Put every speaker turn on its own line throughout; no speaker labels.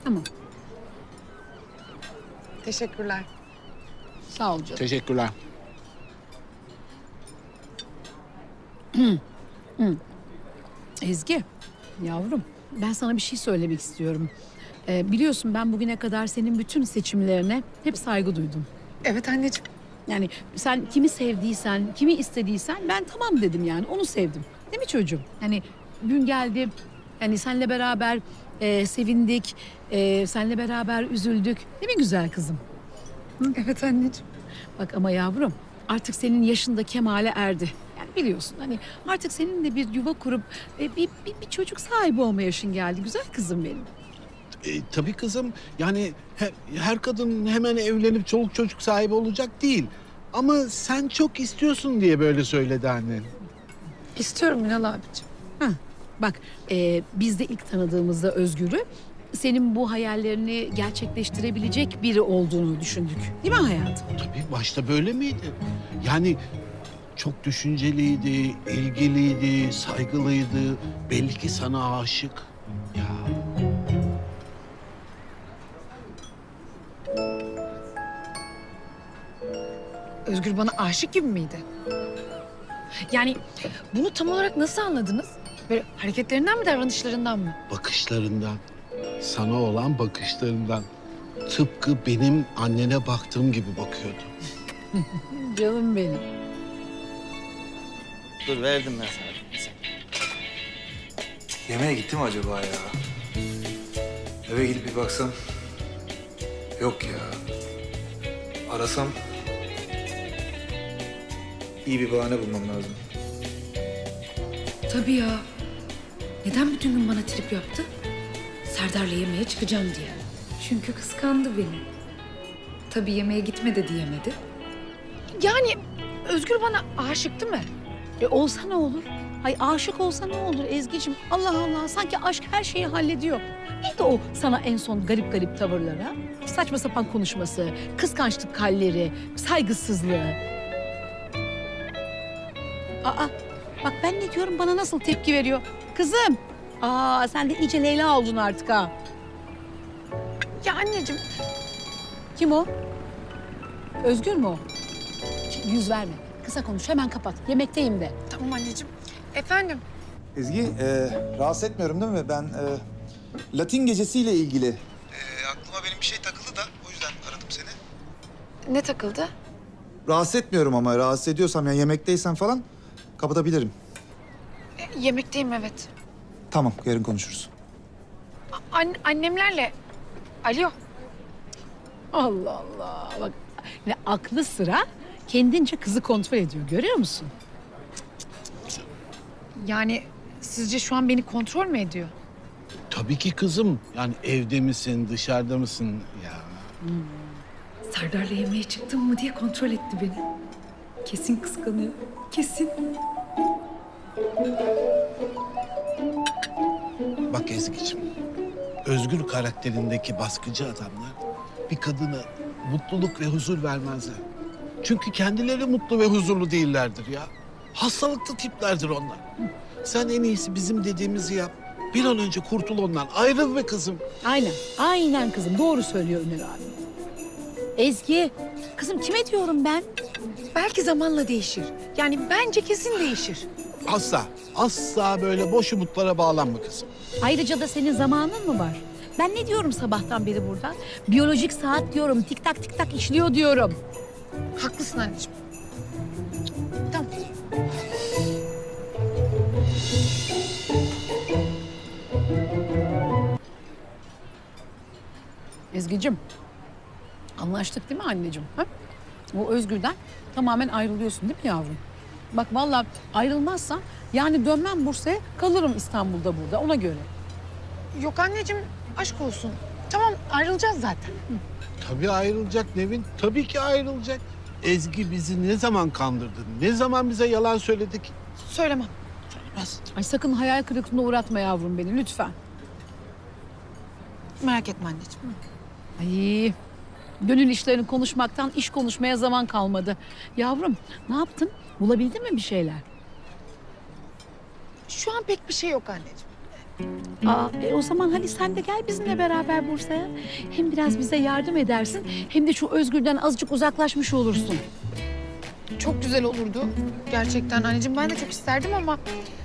Tamam.
Teşekkürler.
Sağ ol canım.
Teşekkürler.
Ezgi, yavrum ben sana bir şey söylemek istiyorum. Biliyorsun ben bugüne kadar senin bütün seçimlerine hep saygı duydum.
Evet anneciğim.
Yani sen kimi sevdiysen, kimi istediysen ben tamam dedim yani. Onu sevdim. Değil mi çocuğum? Hani gün geldi, hani seninle beraber sevindik, seninle beraber üzüldük. Değil mi güzel kızım?
Evet anneciğim.
Bak ama yavrum artık senin yaşında kemale erdi. Yani biliyorsun hani artık senin de bir yuva kurup bir çocuk sahibi olma yaşın geldi. Güzel kızım benim.
Tabii kızım. Yani her kadın hemen evlenip çoluk çocuk sahibi olacak değil. Ama sen çok istiyorsun diye böyle söyledi annen.
İstiyorum Ünal abiciğim.
Heh, bak biz de ilk tanıdığımızda Özgür'ü senin bu hayallerini gerçekleştirebilecek biri olduğunu düşündük. Değil mi hayatım?
Tabii başta böyle miydi? Yani çok düşünceliydi, ilgiliydi, saygılıydı. Belli ki sana aşık. Ya
Özgür bana aşık gibi miydi? Yani bunu tam olarak nasıl anladınız? Böyle hareketlerinden mi, davranışlarından mı?
bakışlarından, sana olan bakışlarından. Tıpkı benim annene baktığım gibi bakıyordu.
Canım benim.
Dur verdim ben sana.
Yemeğe gitti mi acaba ya? Eve gidip bir baksam. Yok ya. Arasam. İyi bir bahane bulmam lazım.
Tabii ya. Neden bütün gün bana trip yaptı? Serdar'la yemeğe çıkacağım diye. Çünkü kıskandı beni. Tabii yemeğe gitme de diyemedi.
Yani Özgür bana aşıktı mı?
Olsa ne olur? Hay aşık olsa ne olur Ezgi'cim? Allah Allah sanki aşk her şeyi hallediyor. Neydi o sana en son garip garip tavırlara? Saçma sapan konuşması, kıskançlık halleri, saygısızlığı. Aa bak ben ne diyorum bana nasıl tepki veriyor? Kızım sen de iyice Leyla oldun artık ha.
Ya anneciğim
Kim o? Özgür mü o? Yüz verme. Kısa konuş hemen kapat. Yemekteyim de.
tamam anneciğim. Efendim?
Ezgi, rahatsız etmiyorum değil mi? Ben Latin gecesiyle ilgili. Aklıma benim bir şey takıldı da o yüzden aradım seni.
Ne takıldı?
Rahatsız etmiyorum ama rahatsız ediyorsam yani yemekteysen falan kapatabilirim.
Yemekteyim evet.
Tamam, yarın konuşuruz.
Annemlerle. Alo.
Allah Allah. Bak ne aklı sıra kendince kızı kontrol ediyor. Görüyor musun?
Yani sizce şu an beni kontrol mü ediyor?
Tabii ki kızım. Yani evde misin, dışarıda mısın? Ya
Serdar'la yemeğe çıktım mı diye kontrol etti beni. Kesin kıskanıyor. Kesin.
bak Ezgi'ciğim. Özgür karakterindeki baskıcı adamlar bir kadına mutluluk ve huzur vermezler. Çünkü kendileri mutlu ve huzurlu değillerdir ya. Hastalıklı tiplerdir onlar. Sen en iyisi bizim dediğimizi yap. Bir an önce kurtul ondan. Ayrıl be kızım.
Aynen. Aynen kızım. Doğru söylüyor Ünal abi. Ezgi. Kızım kime diyorum ben?
Belki zamanla değişir. Yani bence kesin değişir.
Asla, asla böyle boş umutlara bağlanma kızım.
Ayrıca da senin zamanın mı var? Ben ne diyorum sabahtan beri burada? Biyolojik saat diyorum. Tik tak tik tak işliyor diyorum.
Haklısın anneciğim. Tamam.
Ezgi'cim. Anlaştık değil mi anneciğim? Ha? O Özgür'den tamamen ayrılıyorsun değil mi yavrum? Bak vallahi ayrılmazsan yani dönmem Bursa'ya kalırım İstanbul'da burada ona göre.
Yok anneciğim aşk olsun. Tamam ayrılacağız zaten.
Tabii ayrılacak Nevin, tabii ki ayrılacak. Ezgi bizi ne zaman kandırdı, ne zaman bize yalan söyledik?
Söylemem.
Söylemez.
Ay sakın hayal kırıklığına uğratma yavrum beni lütfen.
Merak etme anneciğim.
Ay gönül işlerini konuşmaktan iş konuşmaya zaman kalmadı. Yavrum ne yaptın? Bulabildin mi bir şeyler?
Şu an pek bir şey yok anneciğim.
O zaman hadi sen de gel bizimle beraber Bursa'ya. Hem biraz bize yardım edersin hem de şu Özgür'den azıcık uzaklaşmış olursun.
Çok güzel olurdu. Gerçekten anneciğim ben de çok isterdim ama...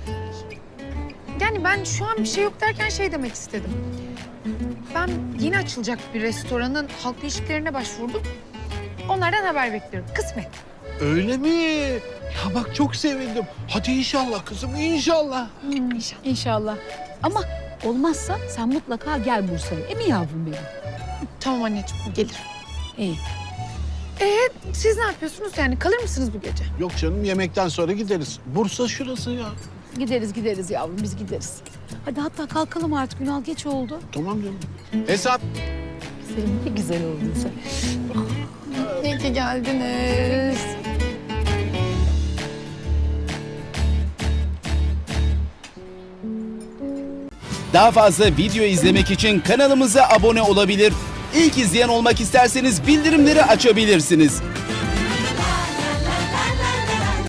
Yani ben şu an bir şey yok derken şey demek istedim. Ben yeni açılacak bir restoranın halk ilişkilerine başvurdum. Onlardan haber bekliyorum. Kısmet.
Öyle mi? Ya bak çok sevindim. Hadi inşallah kızım, inşallah.
İnşallah.
İnşallah. Ama olmazsa sen mutlaka gel Bursa'ya. Mi yavrum benim?
Tamam anneciğim gelir.
İyi.
Siz ne yapıyorsunuz yani? Kalır mısınız bu gece?
Yok canım, yemekten sonra gideriz. Bursa şurası ya.
Gideriz yavrum biz gideriz. Hadi hatta kalkalım artık Ünal geç oldu.
Tamam canım. Hesap.
Senin ne güzel oldun sen.
İyi ki geldiniz.
Daha fazla video izlemek için kanalımıza abone olabilir. İlk izleyen olmak isterseniz bildirimleri açabilirsiniz.